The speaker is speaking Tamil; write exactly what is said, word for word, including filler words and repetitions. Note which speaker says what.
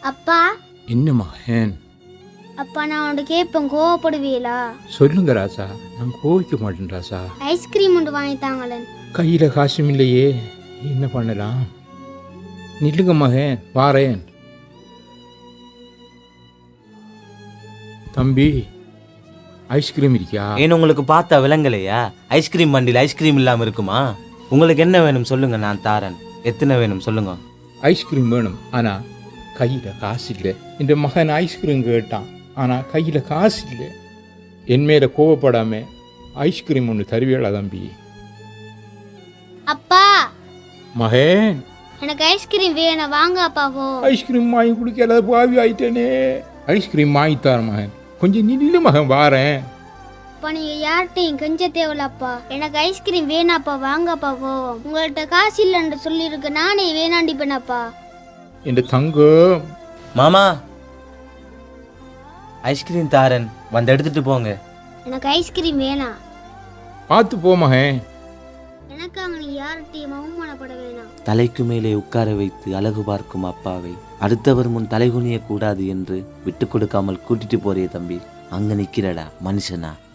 Speaker 1: அப்பா
Speaker 2: என்ன மகன்?
Speaker 1: அப்பா நான் உன்கிட்ட கேட்பேன், கோவப்படுவீங்களா?
Speaker 2: சொல்லுங்க ராசா, நான் கோவிக்க மாட்டேன் ராசா.
Speaker 1: ஐஸ்கிரீம் ஒன்று வாங்கித்தாங்களேன்.
Speaker 2: கையில் காசும் இல்லையே, என்ன பண்ணலாம்? நில்லுங்க மகன், வாரேன். தம்பி, ஐஸ்கிரீம் இருக்கியா?
Speaker 3: ஏன் உங்களுக்கு பார்த்தா விளங்கலையா? ஐஸ்கிரீம் வண்டியில் ஐஸ்கிரீம் இல்லாமல் இருக்குமா? உங்களுக்கு என்ன வேணும் சொல்லுங்க, நான் தாரேன். எத்தனை வேணும் சொல்லுங்க.
Speaker 2: ஐஸ்கிரீம் வேணும், ஆனால் கையில் காசு இல்லை. இந்த மகன் ஐஸ்கிரீம் கேட்டான், ஆனால் கையில் காசு இல்லை. என் மேலே கோவப்படாம ஐஸ்கிரீம் ஒன்று தருவியலா தம்பி?
Speaker 1: அப்பா
Speaker 2: மகன்,
Speaker 1: எனக்கு ஐஸ்கிரீம் வேணும், வாங்க அப்பா. போ.
Speaker 2: ஐஸ்கிரீம் வாங்கி குடிக்கல, பாவி ஆயிட்டேனே. ஐஸ்கிரீம் வாங்கித்தார மகன், கொஞ்சம் நில்லு மகன், வாரேன்.
Speaker 1: அப்பா நீங்க யார்கிட்டையும் கெஞ்ச தேவையில்லப்பா, எனக்கு ஐஸ்கிரீம் வேணாப்பா, வாங்கப்பா. போ. உங்கள்கிட்ட காசு இல்லைன்னு சொல்லியிருக்கு, நானே வேணாண்டிப்பேனப்பா.
Speaker 2: என் தங்கம்.
Speaker 3: மாமா, ஐஸ்கிரீம் தாரன், வந்து எடுத்துட்டு போங்க.
Speaker 1: எனக்கு ஐஸ்கிரீம் வேணாம்.
Speaker 2: பார்த்து போ மகன்.
Speaker 1: எனக்காக நீ யார்கிட்டையும் அவமானப்பட வேணாம்.
Speaker 3: தலைக்கு மேலே உட்கார வைத்து அழகு பார்க்கும் அப்பாவை அடுத்தவர் முன் தலைகுனிய கூடாது என்று விட்டு கொடுக்காமல் கூட்டிட்டு போறே தம்பி. அங்க நிக்கிறடா மனுஷனா.